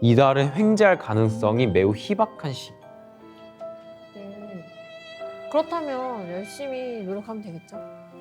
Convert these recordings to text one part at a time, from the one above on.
이달은 횡재할 가능성이 매우 희박한 시. 그렇다면 열심히 노력하면 되겠죠?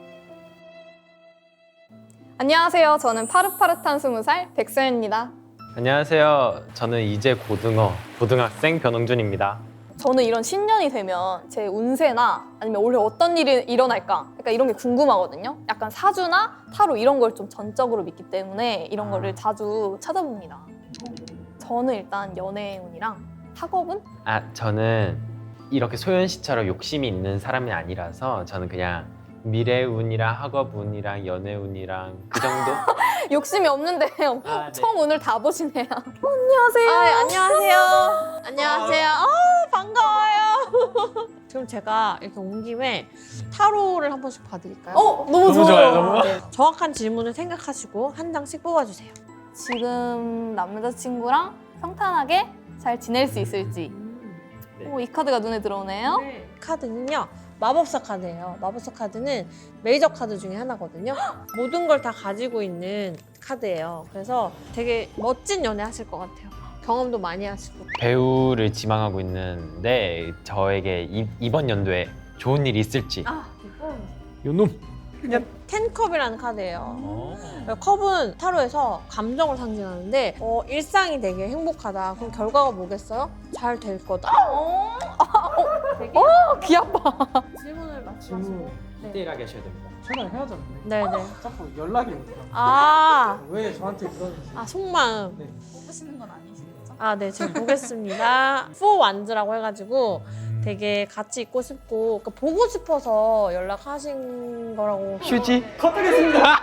안녕하세요. 저는 파릇파릇한 20살 백서연입니다. 안녕하세요. 저는 이제 고등학생 변홍준입니다. 저는 이런 신년이 되면 제 운세나 아니면 올해 어떤 일이 일어날까 약간 이런 게 궁금하거든요. 약간 사주나 타로 이런 걸 좀 전적으로 믿기 때문에 이런 거를 자주 찾아봅니다. 저는 일단 연애운이랑 학업운? 저는 이렇게 소연 씨처럼 욕심이 있는 사람이 아니라서 저는 그냥 미래운이랑 학업운이랑 연애운이랑 그 정도? 욕심이 없는데 네. 처음 오늘 다 보시네요. 안녕하세요. 안녕하세요. 안녕하세요. 반가워요. 지금 제가 이렇게 온 김에 타로를 한 번씩 봐드릴까요? 너무 좋아요. 너무. 네, 정확한 질문을 생각하시고 한 장씩 뽑아주세요. 지금 남자친구랑 평탄하게 잘 지낼 수 있을지. 이 카드가 눈에 들어오네요. 카드는요, 마법사 카드예요. 마법사 카드는 메이저 카드 중에 하나거든요. 모든 걸 다 가지고 있는 카드예요. 그래서 되게 멋진 연애 하실 것 같아요. 경험도 많이 하시고. 배우를 지망하고 있는데 저에게 이번 연도에 좋은 일이 있을지. 요놈. 텐컵이라는 카드예요. 컵은 타로에서 감정을 상징하는데 일상이 되게 행복하다. 그럼 결과가 뭐겠어요? 잘 될 거다. 되게 귀 아파. 질문을 맞추고. 질문 디테일하게 하셔야 됩니다. 전화를 헤어졌네. 네네. 자꾸 연락이 오더라고요. 아, 왜 저한테 그러는지. 속마음. 네. 하시는 건 아니시겠죠? 네, 제가 보겠습니다. 포 완즈라고 해가지고 되게 같이 있고 싶고 그러니까 보고 싶어서 연락하신 거라고. 휴지? 컷하겠습니다.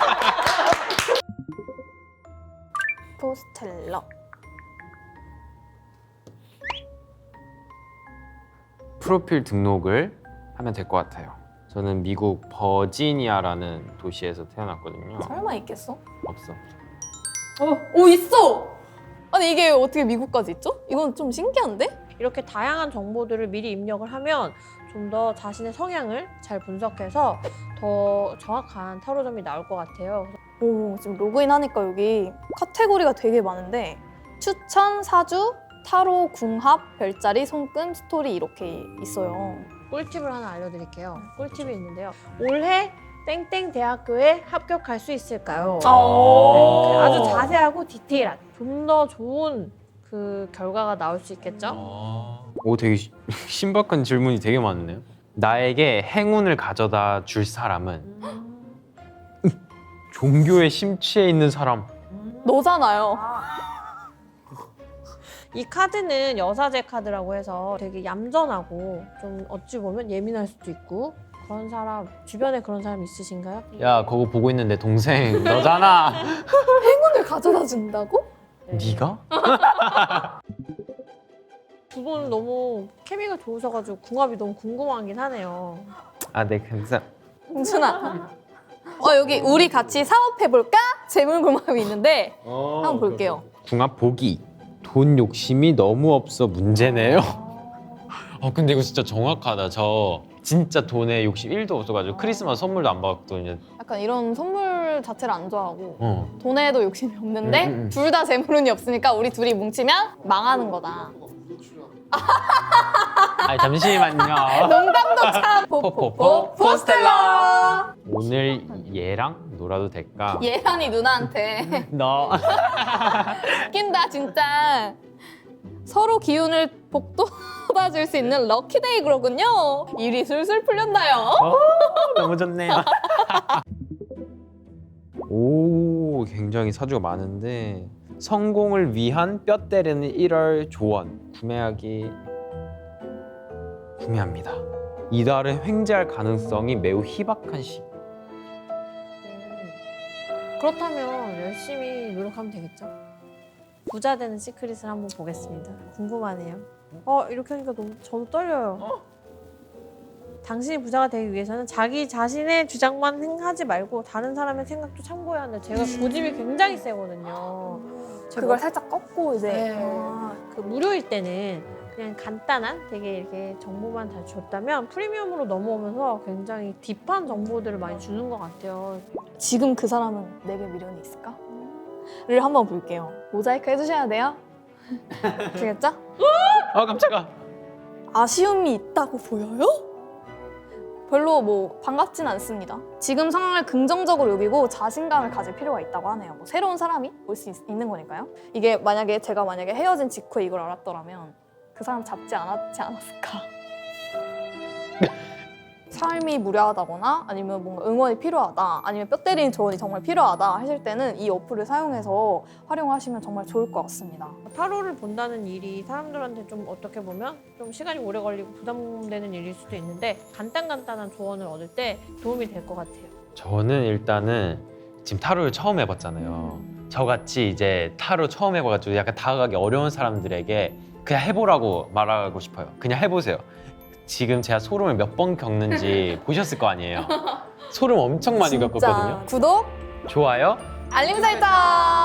포스텔러. 프로필 등록을 하면 될 것 같아요. 저는 미국 버지니아라는 도시에서 태어났거든요. 설마 있겠어? 없어. 오 있어! 아니 이게 어떻게 미국까지 있죠? 이건 좀 신기한데? 이렇게 다양한 정보들을 미리 입력을 하면 좀 더 자신의 성향을 잘 분석해서 더 정확한 타로점이 나올 것 같아요. 오 지금 로그인 하니까 여기 카테고리가 되게 많은데 추천, 사주, 타로, 궁합, 별자리, 손금, 스토리 이렇게 있어요. 꿀팁을 하나 알려드릴게요. 꿀팁이 있는데요. 올해 땡땡 대학교에 합격할 수 있을까요? 네, 아주 자세하고 디테일한, 좀 더 좋은 그 결과가 나올 수 있겠죠? 오, 되게 신박한 질문이 되게 많네요. 나에게 행운을 가져다 줄 사람은 종교에 심취해 있는 사람. 너잖아요. 이 카드는 여사제 카드라고 해서 되게 얌전하고 좀 어찌 보면 예민할 수도 있고 그런 사람, 주변에 그런 사람 있으신가요? 야, 그거 보고 있는 내 동생 너잖아. 행운을 가져다 준다고? 네가? 두 분 너무 케미가 좋으셔가지고 궁합이 너무 궁금하긴 하네요. 네, 감사. 홍준아. 여기 우리 같이 사업해볼까? 재물궁합이 있는데 한번 볼게요. 궁합 보기. 돈 욕심이 너무 없어 문제네요. 근데 이거 진짜 정확하다. 저 진짜 돈에 욕심 1도 없어가지고 크리스마스 선물도 안 받았거든요. 약간 이런 선물 자체를 안 좋아하고 돈에도 욕심이 없는데 음. 둘 다 재물운이 없으니까 우리 둘이 뭉치면 망하는 거다. 잠시만요. 농담도 참 포포포 포스텔러. 오늘 얘랑 놀아도 될까? 예란이 누나한테 너. 웃긴다 진짜. 서로 기운을 북돋아줄 수 있는 럭키데이 그러군요. 일이 술술 풀렸나요? 너무 좋네요. 오, 굉장히 사주가 많은데 성공을 위한 뼈 때리는 1월 조언 구매합니다. 이달은 횡재할 가능성이 매우 희박한 시. 그렇다면 열심히 노력하면 되겠죠? 부자 되는 시크릿을 한번 보겠습니다. 궁금하네요. 이렇게 하니까 너무 저도 떨려요. 당신이 부자가 되기 위해서는 자기 자신의 주장만 하지 말고 다른 사람의 생각도 참고해야 하는데 제가 고집이 굉장히 세거든요. 그걸 살짝 꺾고 이제 네. 그 무료일 때는 그냥 간단한 되게 이렇게 정보만 다 줬다면 프리미엄으로 넘어오면서 굉장히 딥한 정보들을 많이 주는 것 같아요. 지금 그 사람은 내게 미련이 있을까? 를 한번 볼게요. 모자이크 해주셔야 돼요. 아시겠죠? 아 깜짝아. 아쉬움이 있다고 보여요? 별로 뭐 반갑진 않습니다. 지금 상황을 긍정적으로 여기고 자신감을 가질 필요가 있다고 하네요. 뭐 새로운 사람이 올 수 있는 거니까요. 이게 만약에 제가 헤어진 직후에 이걸 알았더라면 그 사람 잡지 않았지 않았을까. 삶이 무료하다거나 아니면 뭔가 응원이 필요하다 아니면 뼈 때리는 조언이 정말 필요하다 하실 때는 이 어플을 사용해서 활용하시면 정말 좋을 것 같습니다. 타로를 본다는 일이 사람들한테 좀 어떻게 보면 좀 시간이 오래 걸리고 부담되는 일일 수도 있는데 간단한 조언을 얻을 때 도움이 될 것 같아요. 저는 일단은 지금 타로를 처음 해봤잖아요. 저같이 이제 타로 처음 해봐가지고 약간 다가가기 어려운 사람들에게 그냥 해보라고 말하고 싶어요. 그냥 해보세요. 지금 제가 소름을 몇 번 겪는지 보셨을 거 아니에요. 소름 엄청 많이 겪었거든요. 구독, 좋아요. 알림 설정!